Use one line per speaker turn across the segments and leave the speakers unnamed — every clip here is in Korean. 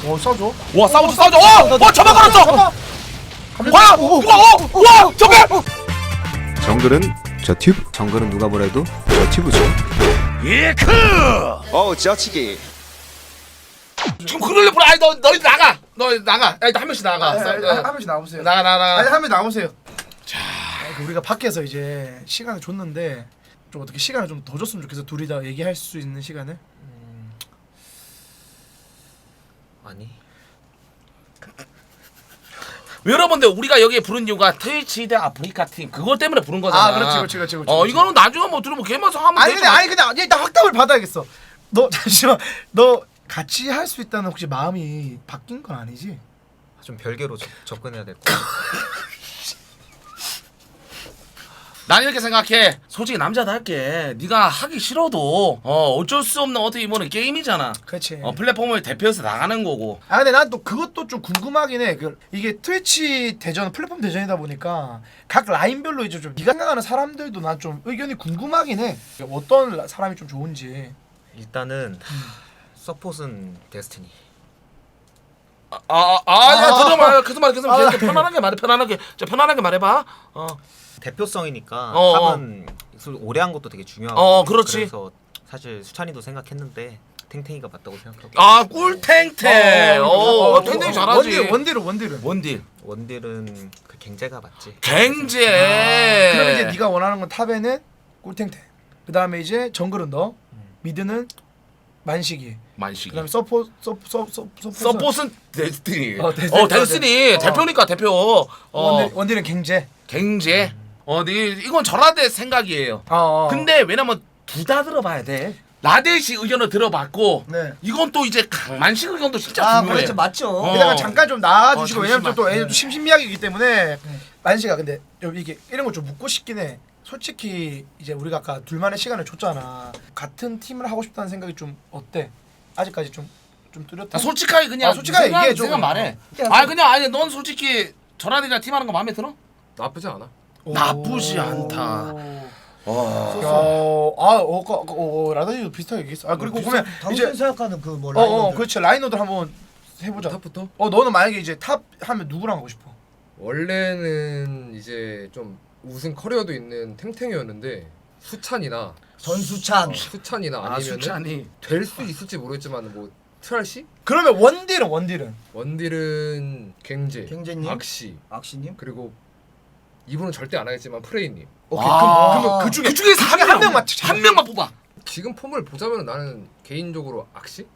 써줘.
와 싸우죠. 저만 걸었어. 와 누가 저게.
정글은 저 튜브. 정글은 누가 뭐래도 저 튜브죠.
예크.
지어치기.
지금 그럴래 보라. 아니 너희 나가. 너 나가. 야, 한 명씩 나가.
한 명씩 나오세요.
나가.
아니 한 명 나오세요. 자, 우리가 밖에서 이제 시간을 줬는데 좀 어떻게 시간을 좀 더 줬으면 좋겠어. 둘이 다 얘기할 수 있는 시간을.
아니.
여러분들 우리가 여기에 부른 이유가 트위치 대 아프리카 팀 그것 때문에 부른 거잖아.
아, 그렇지.
이거는 나중에 뭐 들으면 걔만 하면
아니
되지.
근데 일단 확답을 받아야겠어. 너 잠시만. 너 같이 할 수 있다는 혹시 마음이 바뀐 건 아니지?
좀 별개로 접근해야 될 것 같아.
난 이렇게 생각해. 솔직히 남자답게 네가 하기 싫어도 어쩔 수 없는 어떻게 보면 게임이잖아.
그렇지.
플랫폼을 대표해서 나가는 거고.
아 근데 난 또 그것도 좀 궁금하긴 해. 이게 트위치 대전 플랫폼 대전이다 보니까 각 라인별로 이제 좀 네가 생각하는 사람들도 난 좀 의견이 궁금하긴 해. 어떤 사람이 좀 좋은지.
일단은 서폿은 데스티니.
들어봐. 계속 말해.
아,
편안하게 말해. 편안하게 말해봐.
대표성이니까
어.
탑은 오래 한 것도 되게 중요하고.
그렇지.
그래서 사실 수찬이도 생각했는데 탱탱이가 맞다고 생각하고.
꿀탱탱. 탱탱이 잘하지.
원딜은.
원딜은 그 갱제가 맞지.
갱제.
그럼 이제 네가 원하는 건 탑에는 꿀탱탱. 그 다음에 이제 정글은 너. 미드는 만식이. 그다음에
서폿은 데스티니.
데스티니.
대표니까 대표.
원딜은 갱제.
갱제. 이건 전화대 생각이에요. 근데 왜냐면 둘 다 들어봐야 돼. 라데시 의견을 들어봤고,
네.
이건 또 이제 강만식 의견도 진짜 중요해.
그렇죠, 맞죠.
게다가 잠깐 좀 나와주시고 왜냐면
잠시만.
또 애들 심심미약이기 때문에 만식아 근데 좀 이게 이런 거 좀 묻고 싶긴 해. 솔직히 이제 우리가 아까 둘만의 시간을 줬잖아. 같은 팀을 하고 싶다는 생각이 좀 어때? 아직까지 좀 뚜렷해?
솔직하게 그냥
솔직하게
생각,
얘기해 줘.
생각 말해. 아니 넌 솔직히 전화대랑 팀하는 거 마음에 들어?
나쁘지 않아.
나쁘지 않다.
라다니도 비슷하게 얘기했어. 그리고 그러면
당신
이제
생각하는 그 뭐 라이너들.
그렇지 라이너들 한번 해보자.
탑부터?
너는 만약에 이제 탑 하면 누구랑 하고 싶어?
원래는 이제 좀 우승 커리어도 있는 탱탱이었는데 수찬이나
전수찬.
수찬이나 아니면은
수찬이.
될 수 있을지 모르겠지만 뭐 트랄시?
그러면 원딜은?
원딜은 갱제,
갱제님?
악시 그리고 이분은 절대 안 하겠지만 프레이님.
오케이.
아.
그러면
그 중에서 한 명만
찍자.
한 명만 뽑아.
지금 폼을 보자면 나는 개인적으로 악시?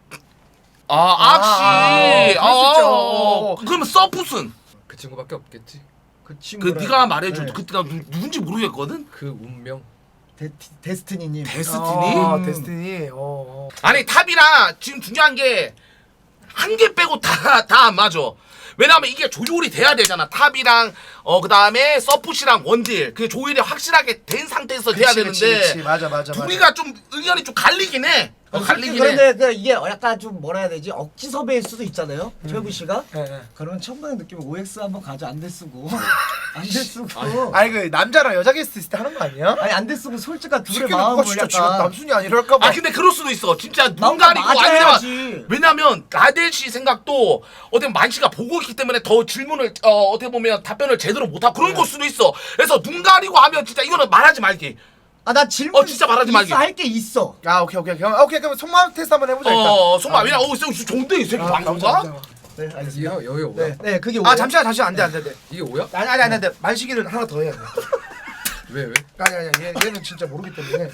악시.
그럴 수 있죠.
그러면 서폿은
그 친구밖에 없겠지.
그
그
친구.
네가 말해줘.
네.
그때 나 누군지 모르겠거든.
그 운명.
데스티니님.
데스티니?
데스티니.
아니 탑이랑 지금 중요한 게 한 개 빼고 다 안 맞아. 왜냐면 이게 조율이 돼야 되잖아. 탑이랑 그다음에 서폿이랑 원딜 그 조율이 확실하게 된 상태에서 돼야 되는데
그치. 맞아.
둘이가 좀 의견이 좀 갈리긴 해. 갈리긴 해.
그런데 그 이게 약간 좀 뭐라 해야 되지? 억지 섭외일 수도 있잖아요. 최부 씨가.
네.
그러면 천만의 느낌은 OX 한번 가져. 안 돼 쓰고. 안 돼 쓰고.
아니 그 남자랑 여자 게스트 있을 때 하는 거 아니야?
아니 안 돼 쓰고 솔직한 둘의
시키는 누가
마음을
진짜 지금
약간.
남순이 아니랄까 봐.
근데 그럴 수도 있어. 진짜 눈
마음과
가리고
맞아야지.
왜냐면 라데시 생각도 어떻게 만시가 보고 있기 때문에 더 질문을 어떻게 보면 답변을 제대로 못하고 그런 걸 수도 있어. 그래서 눈 가리고 하면 진짜 이거는 말하지 말기.
나 질문
진짜 말하지 말기.
할게 있어.
오케이. 그럼 속마음 테스트 한번 해보자 일단.
손만 왜냐 좋은데 이 새끼 방송가?
네, 알겠습니다.
여기가 뭐야?
네, 그게 오야.
잠시만 안돼.
이게 뭐야?
아니 만식이는 하나 더 해야 돼.
왜?
아니 얘는 진짜 모르기 때문에.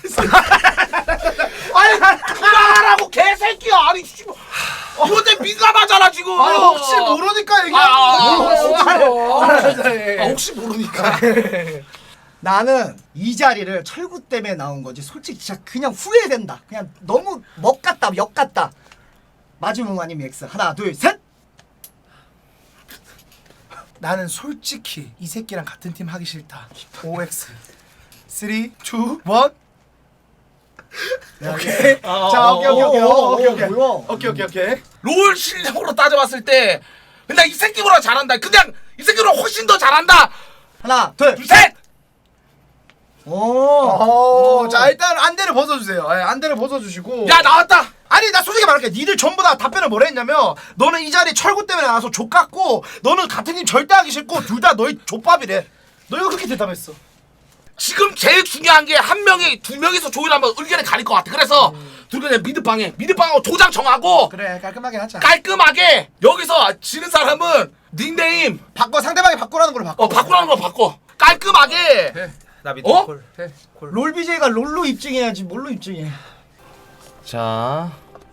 아니 그만하라고 개새끼야. 아니 씨발 이거 내 민감하잖아 지금.
혹시 모르니까 얘기하는
혹시 모르니까.
나는 이 자리를 철구 때문에 나온 거지. 솔직히 진짜 그냥 후회된다. 그냥 너무 먹 같다, 역 같다. 마지막 아니면 X. 하나, 둘, 셋.
나는 솔직히 이 새끼랑 같은 팀 하기 싫다. OX. 3, 2, 1. 오케이. 자, 오케이.
롤 실력으로 따져봤을 때 근데 이 새끼보다 잘한다. 그냥 이 새끼보다 훨씬 더 잘한다.
하나, 둘,
셋.
자 일단 안대를 벗어주세요. 안대를 벗어주시고.
야 나왔다.
아니 나 솔직히 말할게. 니들 전부 다 답변을 뭐라 했냐면 너는 이 자리 철구 때문에 나와서 족같고 너는 같은 팀 절대 하기 싫고 둘 다 너희 족밥이래. 너희가 그렇게 대답했어.
지금 제일 중요한 게 한 명이 두 명이서 조율하면 의견이 갈릴 것 같아. 그래서 둘 그냥 미드방하고 도장 정하고
그래 깔끔하게 하자.
깔끔하게 여기서 지는 사람은 닉네임
바꿔 상대방이 바꾸라는 걸로 바꿔.
바꾸라는 걸 바꿔. 깔끔하게.
나 미드
어?
콜.
롤 BJ가 롤로 입증해야지 뭘로 입증해.
자.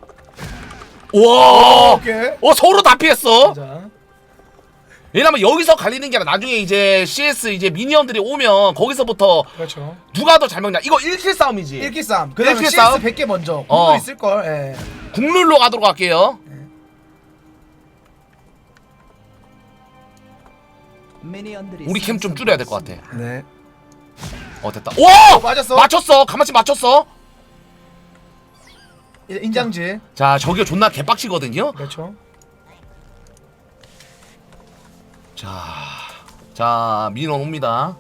우와.
오케이.
서로 다 피했어.
자.
왜냐면 여기서 갈리는 게 아니라 나중에 이제 CS 이제 미니언들이 오면 거기서부터
그렇죠.
누가 더 잘 먹냐. 이거 1킬 싸움이지.
1킬 싸움. 그다음에
1킬
CS
싸움?
100개 먼저.
어.
그거 있을 걸. 예.
국룰로 가도록 할게요. 우리 캠 좀 줄여야 될 것 같아.
네.
됐다. 오!
맞았어.
맞췄어. 가만히 맞췄어.
인장질.
자, 저게 존나 개빡치거든요.
그렇죠.
자, 민원 옵니다.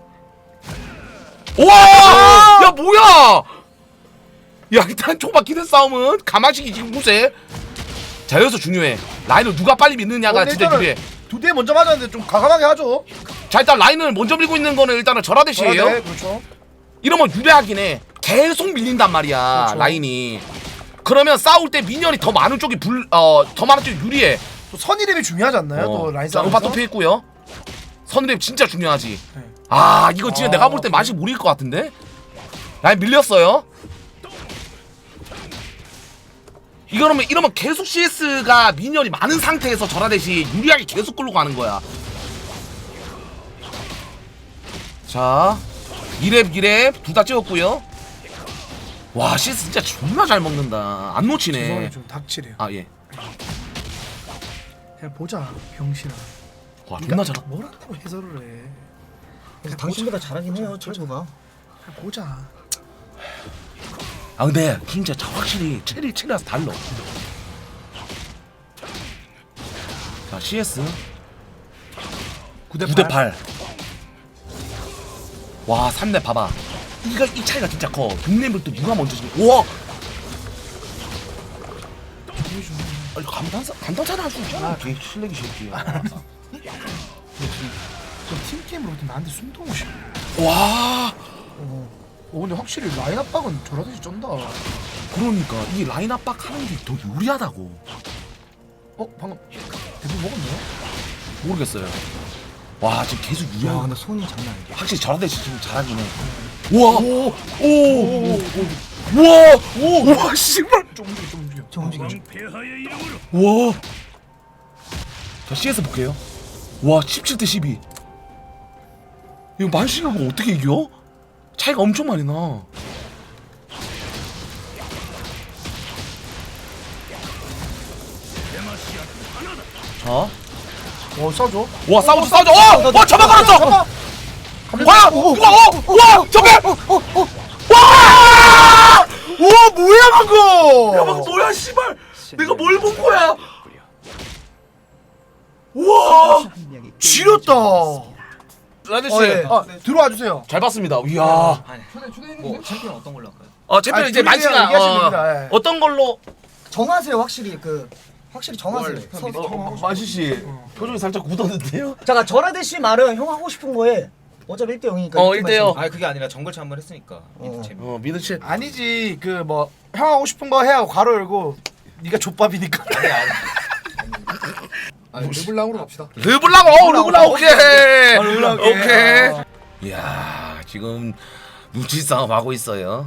우와! 야, 뭐야! 야, 일단 초반 기대 싸움은 가만히 지금 보세. 자, 여기서 중요해. 라인을 누가 빨리 믿느냐가 진짜 유리해.
두 대 먼저 맞았는데 좀 과감하게 하죠.
자, 일단 라인을 먼저 밀고 있는 거는 일단은 절하대시에요.
네, 그렇죠.
이러면 유리하긴 해. 계속 밀린단 말이야,
그렇죠.
라인이. 그러면 싸울 때 미니언이 더 많은 쪽이 더 많은 쪽이 유리해.
또 선이랩이 중요하지 않나요? 또 라인
자,
싸움에서.
음파 또 피했고요. 선랩 진짜 중요하지.
네.
이거 진짜 내가 볼 때 맛이 못 이길 것 같은데? 라인 밀렸어요. 이러면 계속 CS가 미니언이 많은 상태에서 절하듯이 유리하게 계속 끌고 가는 거야. 자, 2렙 둘 다 찍었고요. 와, CS 진짜 존나 잘 먹는다. 안 놓치네.
죄송해요, 좀 닥치래요.
예.
그냥 보자, 병신아.
와, 존나 잘.
뭘 한다고 해설을 해.
그래서 당신보다 잘하긴 해요 철구가.
그냥 보자.
근데 진짜 확실히 체리라서 달라. 자, CS 9대 8. 와, 3렙 봐봐. 이 차이가 진짜 커. 6렙을 또 누가 먼저 지금. 우와! 아니, 감탄사를 할 수 있잖아. 개 실력이 새끼야.
팀게임으로 나한테 숨통을 쉬.
와!
근데 확실히 라인 압박은 저라듯이 쩐다.
그러니까 이 라인 압박 하는 게 더 유리하다고.
방금 대부 먹었나요?
모르겠어요. 와, 지금 계속
야
유리하고.
근데 손이 장난 아니야.
확실히 저한테 지금 잘하긴 해. 우와! 우와! 씨발!
좀 움직여.
좀 움직여.
우와! 자, CS 볼게요. 와, 17대 12. 이거 만식하고 어떻게 이겨? 차이가 엄청 많이 나. 자,
싸줘.
와, 싸우죠. 저만 걸었어! 와! 와! 저게! 와!
우와 뭐야 그거?
야, 방금 뭐야, 씨발! 내가 뭘 본 거야? 우와!
지렸다.
라데씨,
들어와 주세요.
잘 봤습니다. 이야.
뭐 챔피언 어떤 걸로 할까요?
챔피언 이제
둘이서
만시가
얘기하시면 됩니다. 예.
어떤 걸로?
정하세요 확실히 확실히 정하세요.
만시 씨 표정이 살짝 굳었는데요?
잠깐 저라데시 말은 형 하고 싶은 거에 어차피 1대 0이니까.
1대0.
그게 아니라 정글차 한번 했으니까. 미드 재미.
미드치.
아니지 그 뭐 형 하고 싶은 거 해야 괄호 열고 네가 족밥이니까.
르블랑으로 갑시다.
르블랑, 르블랑 오케이.
르블랑
오케이. 이야, 지금 눈치 싸움 하고 있어요.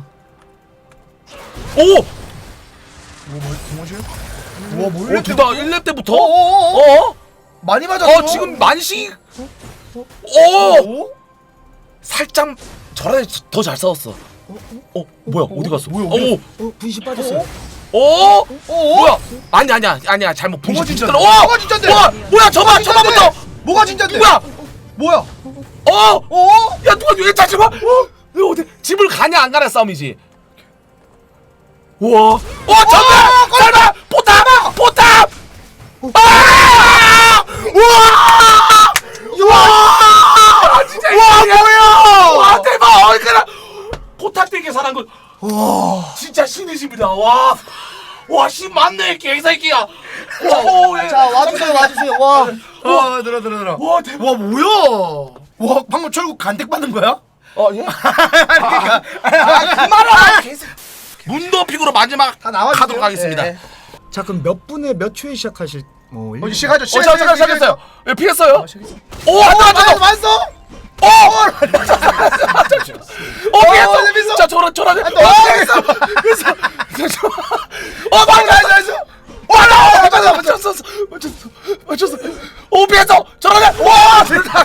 오!
뭐지? 우와 뭐
둘 다 1렙 때부터?
많이 맞았어.
지금 만시. 살짝 저랑 더 잘 싸웠어. 뭐야? 어디 갔어?
뭐야?
분신 빠졌어요.
뭐야? 아니야. 잘못
뭐가
분신
진짜?
들어.
뭐가 진짜인데?
뭐야? 저만부터.
뭐가 진짜인데? 뭐야?
야, 누가 왜 다시 봐? 너 어디 집을 가냐 안 가냐 싸움이지. 우와. 설마 포탑. 와, 진짜.
뭐야?
와, 대박. 포탑 되게 잘한 거. 와, 진짜 신이십니다. 와. 와씨 맞네 개새끼야. 오, 예.
자 와주세요 와주세요. 와.
들어.
와 대박.
와 뭐야? 와 방금 철구 간택 받는 거야?
예?
그러니까
말아. 문도픽으로 마지막
다 나와주세요.
가도록 하겠습니다.
예.
자 그럼 몇 분에 몇 초에 시작하실?
이제 시작하죠.
잠깐 시작했어요. 예, 피했어요. 오,
맞어?
피했어. 자, 저런.
피했어.
맞췄어. 오, 피했어. 저러네. 와,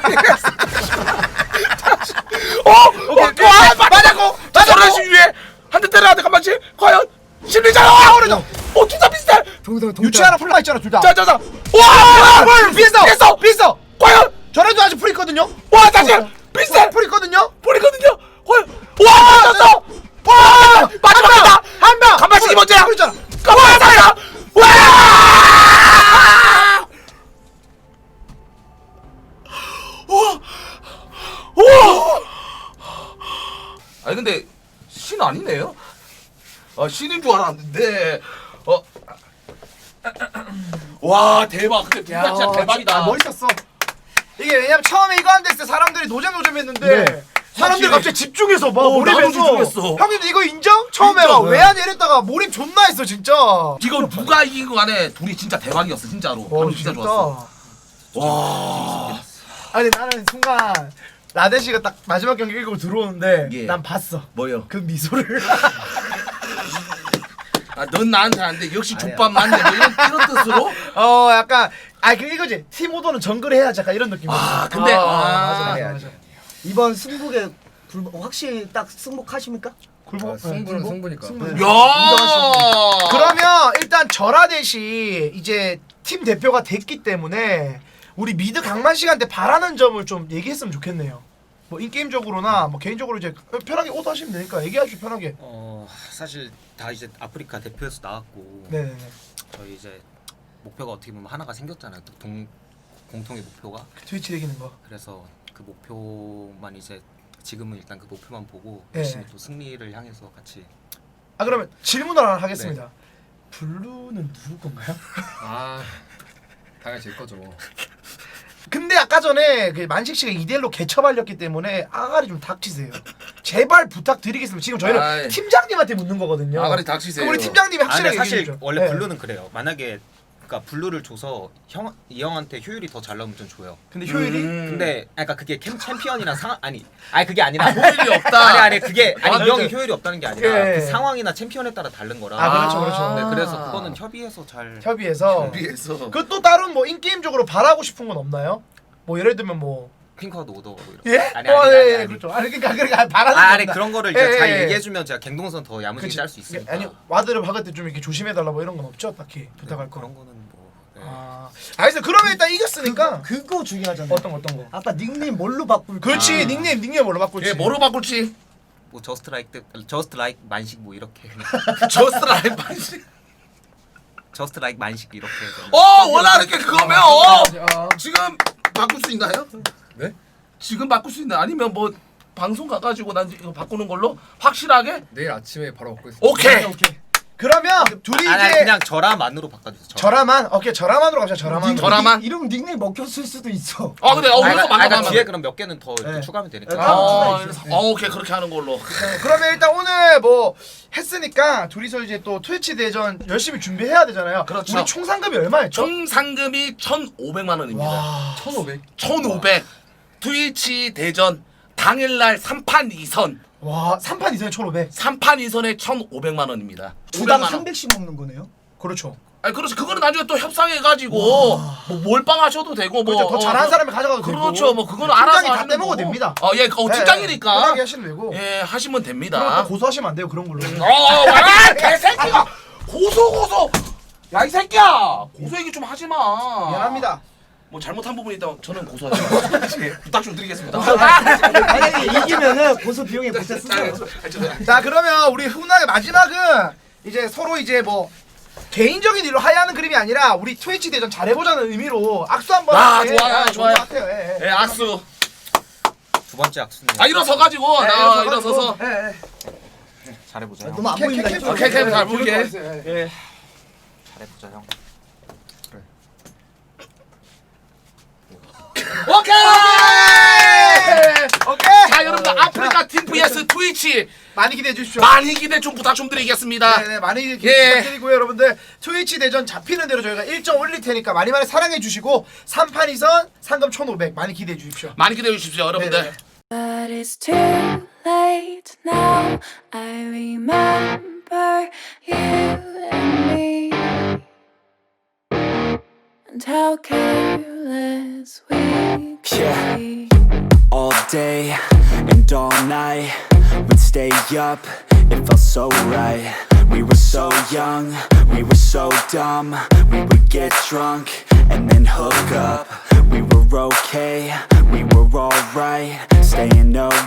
오케이.
맞았고.
저런 식 위에 한 대 때려야 돼. 가만히. 과연 심리잖아. 오른쪽. 오, 둘 다 비슷해.
동동
유치하나 풀라 있잖아 둘 다.
자. 와,
비했어.
과연.
저래도 아직 풀 있거든요.
와, 다시 비슷해.
풀 있거든요.
버리거든요. 과연. 와, 맞았어. 와, 마지막이다.
한 명.
간발치기 먼저야.
풀 있잖아.
가만히 살아. 와! 우와! 아니 근데 신 아니네요? 아 신인 줄 알았는데 와 대박 근데 둘다 진짜 대박이다.
멋있었어. 이게 왜냐면 처음에 이거 한 데 있을 때 사람들이 노잼했는데
네.
사람들이
확실히.
갑자기 집중해서 막
나도
몰입해서
집중했어.
형님들 이거 인정? 처음에
인정.
막 외환 이랬다가 몰입 존나 했어 진짜.
이거 누가 이긴 거 간에 둘이 진짜 대박이었어 진짜로. 방금 진짜 좋았어. 와.
아니 나는 순간 라데 씨가 딱 마지막 경기 이기고 들어오는데
예.
난 봤어.
뭐요?
그 미소를.
아, 넌 나한테 안 돼. 역시 족밥 맞네. 뭐 이런 뜻으로?
약간 그 이거지. 팀 오더는 정글 해야지 약간 이런 느낌이었어.
아, 근데
맞아.
이번 승복에 확실히 딱 승복하십니까?
굴복.
승부는 승부니까.
야!
그러면 일단 절하대시 이제 팀 대표가 됐기 때문에 우리 미드 강만 씨한테 바라는 점을 좀 얘기했으면 좋겠네요. 뭐 인게임적으로나 뭐 개인적으로 이제 편하게 오더 하시면 되니까 얘기하시죠 편하게.
사실 다 이제 아프리카 대표에서 나왔고
네네네.
저희 이제 목표가 어떻게 보면 하나가 생겼잖아요. 또 공통의 목표가.
트위치 이기는 거.
그래서 그 목표만 이제 지금은 일단 그 목표만 보고
네.
열심히 또 승리를 향해서 같이.
아 그러면 질문을 하나 하겠습니다. 블루는 누구 건가요?
아 당연히 제 거죠.
근데 아까 전에 그 만식 씨가 2대1로 개처발렸기 때문에 아가리 좀 닥치세요. 제발 부탁드리겠습니다. 지금 저희는
아이.
팀장님한테 묻는 거거든요.
아가리 닥치세요.
그럼 우리 팀장님이 확실하게
근데 사실
얘기해 주죠.
원래
네.
블루는 그래요. 만약에 그러니까 블루를 줘서 이 형한테 효율이 더 잘 나오면 좀 줘요.
근데 효율이
근데 그러니까 그게 챔피언이랑 아니 그게 아니라
효율이 없다.
아니 그게 이 형이
그렇죠.
효율이 없다는 게 아니라
예.
그 상황이나 챔피언에 따라 다른 거라.
그렇죠.
네, 그래서 그거는 협의해서 잘.
협의해서
비해서.
그 또 다른 뭐 인게임적으로 바라고 싶은 건 없나요? 뭐 예를 들면 뭐
핑크와도 오더 뭐 이런.
예?
아니.
그렇죠. 아니 그러니까 바라는 건
아니
없나?
그런 거를
예,
이제 잘
예.
얘기해주면 제가 갱동선 더 야무지게
그치.
짤 수 있으니까.
아니 와드를 박을 때 좀 이렇게 조심해달라 뭐 이런 건 없죠 딱히 부탁할 거.
그런 거는 뭐. 네.
알겠어. 그러면 일단 이겼으니까
그거 중요하잖아요.
어떤 거?
아까 닉네임 뭘로 바꿀?
그렇지 닉네임 뭘로 바꿀지.
예, 뭐로 바꿀지.
뭐 저스트 라이크 만식 뭐 이렇게 그냥.
저스트 라이브 반식.
저스트 라이크 만식 이렇게 해서.
원하는 게 그거면 지금 바꿀 수 있나요?
네?
지금 바꿀 수 있나? 아니면 뭐 방송 가가지고 난 이거 바꾸는 걸로 확실하게?
내일 아침에 바로 먹고 있습니다.
오케이.
그러면 둘이
아니
이제
그냥 저라만으로 바꿔주세요.
절하만 오케이 절하만으로 갑시다. 절하만.
저라만?
이름 닉네임 먹혔을 수도 있어.
근데 그래서
그러니까 뒤에
맞아.
그럼 몇 개는 더 이렇게
네.
추가하면 되니까.
네.
오케이 그렇게 하는 걸로.
그러면 일단 오늘 뭐 했으니까 둘이서 이제 또 트위치 대전 열심히 준비해야 되잖아요.
그렇죠.
우리 총 상금이 얼마였죠?
총 상금이 1,500만 원입니다.
와.
1,500.
1,500. 트위치 대전 당일날 3판 2선.
와 3판 이상에 1,500.
3판 2선에 1,500만 원입니다.
두당
500만 원.
300씩 먹는 거네요.
그렇죠.
아니 그렇지. 그거는 나중에 또 협상해가지고 뭐 몰빵하셔도 되고 뭐
그렇죠. 더 잘하는 사람이 가져가도 되고.
그렇죠. 뭐 그거는 알아서
팀장이 다
하시는
떼먹어도
거고.
됩니다.
팀장이니까.
편하게 하시면 되고.
예, 하시면
그럼 또
됩니다.
고소하시면 안 돼요 그런 걸로.
개새끼가 고소. 야 이 새끼야. 고소 얘기 좀 하지 마.
미안합니다.
뭐 잘못한 부분이 있다면 저는 고소하지 마. 예, 부탁 좀 드리겠습니다.
만약에 이기면은 고소 비용에 보태 쓰세요.
자 그러면 우리 훈훈하게 마지막은 이제 서로 이제 뭐 개인적인 일로 하야하는 그림이 아니라 우리 트위치 대전 잘해보자는 의미로 악수 한번 할게.
좋아요,
좋은
좋아요.
것 같아요. 예, 예.
예, 악수.
두 번째 악수네요.
일어서 가지고
예,
나 일어서서.
예, 예.
잘해보자.
너무 안 보인다. 이쪽으로.
오케이, 잘 보이게.
예.
잘해보자 형.
오케이.
오케이.
자 여러분들 아프리카 팀 vs 트위치
많이 기대해 주십시오.
많이 기대 좀 부탁 좀 드리겠습니다.
네네 많이
예.
부탁드리고요 여러분들. 트위치 대전 잡히는 대로 저희가 일정 올릴 테니까 많이 사랑해 주시고 3판 2선 상금 1,500 많이 기대해 주십시오.
많이 기대해 주십시오 여러분들.
네네.
But it's too late now. I remember you and me, and how careless we could
Yeah.
be.
All day and all night, we'd stay up, it felt so right. We were so young, we were so dumb. We would get drunk and then hook up. We were okay, we were alright, staying up